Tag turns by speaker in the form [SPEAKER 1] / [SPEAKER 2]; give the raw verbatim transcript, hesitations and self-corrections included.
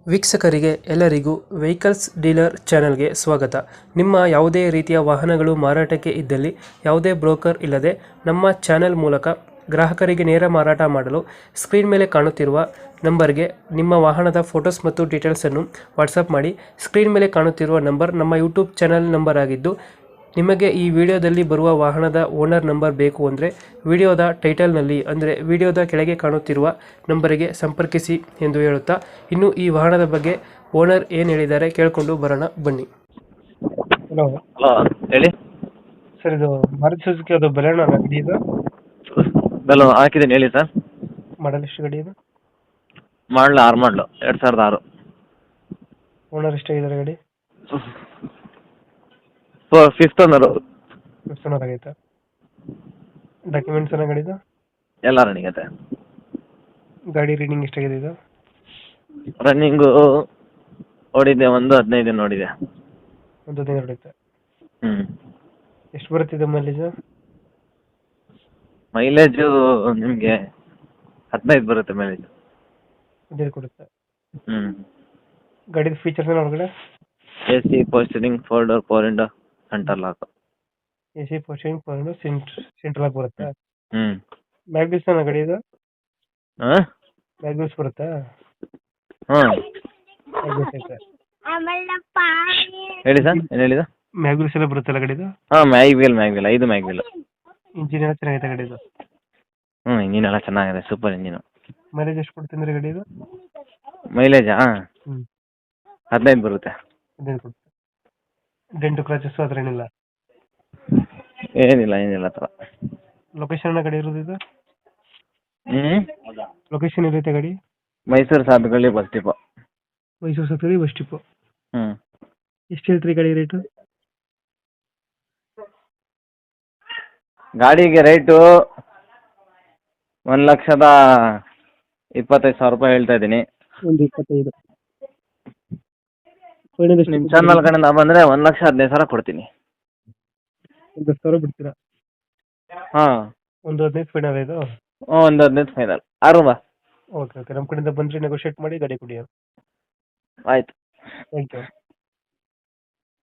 [SPEAKER 1] ವೀಕ್ಷಕರಿಗೆ ಎಲ್ಲರಿಗೂ vehicles dealer ಚಾನೆಲ್ಗೆ ಸ್ವಾಗತ. ನಿಮ್ಮ ಯಾವುದೇ ರೀತಿಯ ವಾಹನಗಳು ಮಾರಾಟಕ್ಕೆ ಇದ್ದಲ್ಲಿ ಯಾವುದೇ ಬ್ರೋಕರ್ ಇಲ್ಲದೆ ನಮ್ಮ ಚಾನೆಲ್ ಮೂಲಕ ಗ್ರಾಹಕರಿಗೆ ನೇರ ಮಾರಾಟ ಮಾಡಲು ಸ್ಕ್ರೀನ್ ಮೇಲೆ ಕಾಣುತ್ತಿರುವ ನಂಬರ್ಗೆ ನಿಮ್ಮ ವಾಹನದ ಫೋಟೋಸ್ ಮತ್ತು ಡೀಟೇಲ್ಸನ್ನು ವಾಟ್ಸಪ್ ಮಾಡಿ. ಸ್ಕ್ರೀನ್ ಮೇಲೆ ಕಾಣುತ್ತಿರುವ ನಂಬರ್ ನಮ್ಮ ಯೂಟ್ಯೂಬ್ ಚಾನೆಲ್ ನಂಬರ್ ಆಗಿದ್ದು, ನಿಮಗೆ ಈ ವಿಡಿಯೋದಲ್ಲಿ ಬರುವ ವಾಹನದ ಓನರ್ ನಂಬರ್ ಬೇಕು ಅಂದರೆ ವಿಡಿಯೋದ ಟೈಟಲ್ನಲ್ಲಿ ಅಂದರೆ ವಿಡಿಯೋದ ಕೆಳಗೆ ಕಾಣುತ್ತಿರುವ ನಂಬರಿಗೆ ಸಂಪರ್ಕಿಸಿ ಎಂದು ಹೇಳುತ್ತಾ, ಇನ್ನು ಈ ವಾಹನದ ಬಗ್ಗೆ ಓನರ್ ಏನು ಹೇಳಿದ್ದಾರೆ ಕೇಳಿಕೊಂಡು ಬರೋಣ ಬನ್ನಿ. ಹಲೋ
[SPEAKER 2] ಹಲೋ ಹೇಳಿ
[SPEAKER 1] ಸರ್, ಇದು ಮಾರುತಿ ಸುಜುಕಿ ಅದು ಬಲೆನೋ ಗಾಡಿ ಇದು
[SPEAKER 2] ಬೆಲ್ಲ ಹಾಕಿದ್ದೀನಿ ಹೇಳಿ ಸರ್.
[SPEAKER 1] ಮಾಡಲ್ ಎಷ್ಟು ಗಾಡಿ ಇದು?
[SPEAKER 2] ಮಾಡಲು ಆರು ಮಾಡಲು ಎರಡು ಸಾವಿರದ ಆರು.
[SPEAKER 1] ಓನರ್ ಎಷ್ಟಾಗಿದ್ದಾರೆ ಗಾಡಿ?
[SPEAKER 2] So fifth owner.
[SPEAKER 1] ಎಷ್ಟು ಓನರ್ ಆಗೈತೆ? ಡಾಕ್ಯುಮೆಂಟ್ಸ್ ಏನೋ ಗಾಡಿದು?
[SPEAKER 2] ಎಲ್ಲ ರನ್ನಿಂಗ್ ಐತೆ.
[SPEAKER 1] ಗಾಡಿ ರೀಡಿಂಗ್ ಎಷ್ಟಾಗಿದೆ ಇದು?
[SPEAKER 2] ರನ್ನಿಂಗು ಓಡಿದೆ ಒಂದು ಹದಿನೈದು ನೋಡಿದೆ.
[SPEAKER 1] ಒಂದು ಹದಿನೈದು ಹೊಡೆಯುತ್ತೆ.
[SPEAKER 2] ಹ್ಞೂ
[SPEAKER 1] ಎಷ್ಟು ಬರುತ್ತಿದೆ ಮೈಲೇಜು?
[SPEAKER 2] ಮೈಲೇಜು ನಿಮಗೆ ಹದಿನೈದು ಬರುತ್ತೆ ಮೈಲೇಜು.
[SPEAKER 1] ಹದಿನೈದು ಕೊಡುತ್ತೆ.
[SPEAKER 2] ಹ್ಞೂ
[SPEAKER 1] ಗಾಡಿದ ಫೀಚರ್ಸ್ ಏನೋ ಒಳಗಡೆ?
[SPEAKER 2] A C power steering four door four window centre lock.
[SPEAKER 1] A C power steering four central ಆಗಿ ಬರುತ್ತೆ.
[SPEAKER 2] ಹ್ಞೂ
[SPEAKER 1] ಮ್ಯಾಗ್ವಿಲ್ಸ್ ಏನೋ ಗಾಡಿ ಇದು?
[SPEAKER 2] ಹಾಂ
[SPEAKER 1] ಮ್ಯಾಗ್ವಿಲ್ಸ್ ಬರುತ್ತಾ?
[SPEAKER 2] ಹಾಂ
[SPEAKER 1] ಮ್ಯಾಗ್ವಿಲ್ಸ್ ಐತೆ.
[SPEAKER 2] ಹೇಳಿ ಸರ್, ಏನು ಹೇಳಿದ?
[SPEAKER 1] ಮ್ಯಾಗ್ವಿಲ್ಸ್ ಎಲ್ಲ ಬರುತ್ತಲ್ಲ ಗಾಡಿದು?
[SPEAKER 2] ಹಾಂ ಮ್ಯಾಗ್ವಿಲ್ ಮ್ಯಾಗ್ವಿಲ್ ಐದು ಮ್ಯಾಗ್ವಿಲ್.
[SPEAKER 1] ಇಂಜಿನ್ ಎಲ್ಲ ಚೆನ್ನಾಗೈತೆ ಗಾಡಿದು?
[SPEAKER 2] ಹ್ಞೂ ಇಂಜಿನ್ ಎಲ್ಲ ಚೆನ್ನಾಗಿದೆ, ಸೂಪರ್ ಇಂಜಿನು.
[SPEAKER 1] ಮೈಲೇಜ್ ಎಷ್ಟು ಕೊಡ್ತೀನಿ ಗಾಡಿದು?
[SPEAKER 2] ಮೈಲೇಜಾ
[SPEAKER 1] ಹ್ಞೂ
[SPEAKER 2] ಹದಿನೈದು ಬರುತ್ತೆ.
[SPEAKER 1] ಹದಿನೈದು ಕೊಡುತ್ತೆ. ಡೆಂಟು ಕ್ರಾಚಸ್ ಹತ್ರ ಏನಿಲ್ಲ?
[SPEAKER 2] ಏನಿಲ್ಲ ಏನಿಲ್ಲ ಆ ಥರ.
[SPEAKER 1] ಲೊಕೇಶನ್ ಗಾಡಿ ಇರೋದು ಇದು?
[SPEAKER 2] ಹ್ಞೂ
[SPEAKER 1] ಲೊಕೇಶನ್ ಇರುತ್ತೆ ಗಾಡಿ?
[SPEAKER 2] Mysore Sadhugalli bus depot.
[SPEAKER 1] Mysore Sattari bus depot.
[SPEAKER 2] ಹ್ಞೂ
[SPEAKER 1] ಎಷ್ಟು ಹೇಳ್ತೀರಿ ಗಾಡಿ ರೇಟು?
[SPEAKER 2] ಗಾಡಿಗೆ ರೇಟು ಒಂದು ಲಕ್ಷದ ಇಪ್ಪತ್ತೈದು ಸಾವಿರ ರೂಪಾಯಿ ಹೇಳ್ತಾ ಇದ್ದೀನಿ.
[SPEAKER 1] ಒಂದು ಇಪ್ಪತ್ತೈದು.
[SPEAKER 2] ನಿಮ್ಮ ಚಾನಲ್ ಕಡೆಯಿಂದ ಬಂದರೆ ಒಂದು ಲಕ್ಷ ಹದಿನೈದು ಸಾವಿರ ಕೊಡ್ತೀನಿ.
[SPEAKER 1] ಒಂದು ಹತ್ತು ಸಾವಿರ ಬಿಡ್ತೀರಾ?
[SPEAKER 2] ಹಾಂ
[SPEAKER 1] ಒಂದು ಹದಿನೈದು ಫೈನಲ್ ಇದು?
[SPEAKER 2] ಹ್ಞೂ ಒಂದು ಹದಿನೈದು ಫೈನಲ್. ಆರು ಬಾ.
[SPEAKER 1] ಓಕೆ ಓಕೆ, ನಮ್ಮ ಕಡೆಯಿಂದ ಬಂದರೆ ನೆಗೋಷಿಯೇಟ್ ಮಾಡಿ ಗಾಡಿ ಕೊಡಿ.
[SPEAKER 2] ಆಯಿತು.
[SPEAKER 1] Thank you.